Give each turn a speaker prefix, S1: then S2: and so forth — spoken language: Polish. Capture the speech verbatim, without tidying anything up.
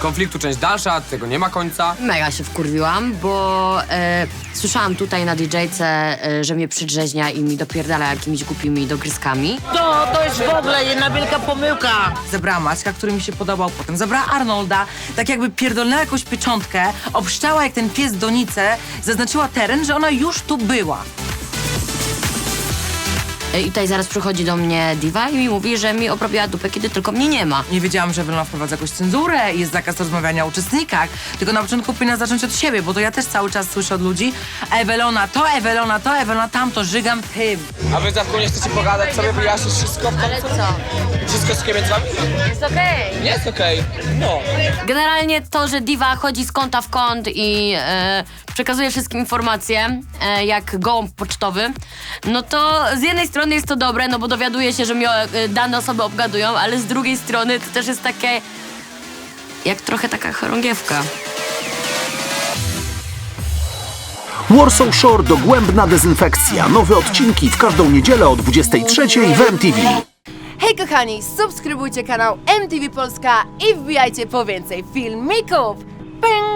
S1: konfliktu część dalsza, tego nie ma końca.
S2: Mega się wkurwiłam, bo e, słyszałam tutaj na didżejce, e, że mnie przydrzeźnia i mi dopierdala jakimiś głupimi dogryzkami.
S3: To, to jest w ogóle jedna wielka pomyłka.
S4: Zabrała Maćka, który mi się podobał, potem zabrała Arnolda, tak jakby pierdolnęła jakąś pieczątkę, obszczała jak ten pies donicę, zaznaczyła teren, że ona już tu była.
S2: E, I tutaj zaraz przychodzi do mnie diva i mi mówi, że mi obrobiła dupę, kiedy tylko mnie nie ma.
S4: Nie wiedziałam, że Ewelona wprowadza jakąś cenzurę i jest zakaz rozmawiania o uczestnikach, tylko na początku powinna zacząć od siebie, bo to ja też cały czas słyszę od ludzi Ewelona to, Ewelona to, Ewelona tamto, żygam tym.
S1: A wy za nie chcecie pogadać sobie, wyjaśnić wszystko w
S2: Ale
S1: końcu?
S2: co?
S1: Wszystko z między wami?
S2: Jest okej.
S1: Nie jest okej. No.
S2: Generalnie to, że diva chodzi z kąta w kąt i e, przekazuje wszystkim informacje, e, jak gołąb pocztowy, no to z jednej strony jest to dobre, no bo dowiaduje się, że mnie e, dane osoby obgadują, ale z drugiej strony to też jest takie, jak trochę taka chorągiewka.
S5: Warsaw Shore dogłębna dezynfekcja. Nowe odcinki w każdą niedzielę o dwudziestej trzeciej w M T V.
S6: Hej kochani, subskrybujcie kanał M T V Polska i wbijajcie po więcej filmików. Ping!